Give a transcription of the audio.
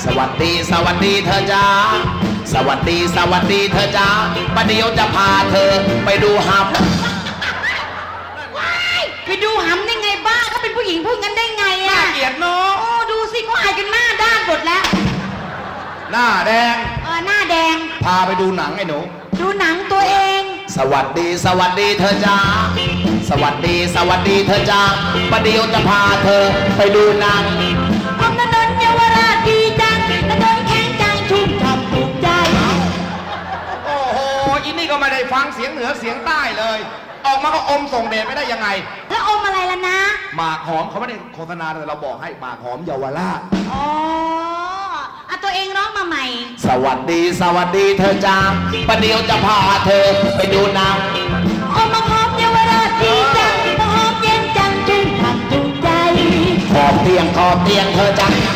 วัสดีสวัสดีเธอจ้าสวัสดีสวัสดีเธอจ้าประเดี๋ยวจะพาเธอไปดูหับไปดูหำได้ไงบ้าเขาเป็นผู้หญิงพูดกันได้ไงอะเกลียดเนาะโอ้ดูสิเขาอายกันหน้าด้านหมดแล้วหน้าแดงหน้าแดงพาไปดูหนังไอ้หนูดูหนังตัวเองสวัสดีสวัสดีเธอจ้าสวัสดีสวัสดีเธอจ้าประเดี๋ยวจะพาเธอไปดูหนังอมถนนเยาวราชดีจังถนนแข็งจังชุ่มฉ่ำถูกใจโอ้โหอินนี่ก็ไม่ได้ฟังเสียงเหนือเสียงใต้เลย ออกมาก็อมส่งเดชไม่ได้ยังไงแล้วอมอะไรล่ะนะหมากหอมเขาไม่ได้โฆษณาแต่เราบอกให้หมากหอมเยาวราชอ๋อเอาตัวเองร้องมาใหม่สวัสดีสวัสดีเธอจ้าประเดี๋ยวจะพาเธอไปดูหนังอมมาหอมเยาวราชดีจังมาหอมเย็นจังชุ่มฉ่ำถูกใจขอบเตียงเธอจ้า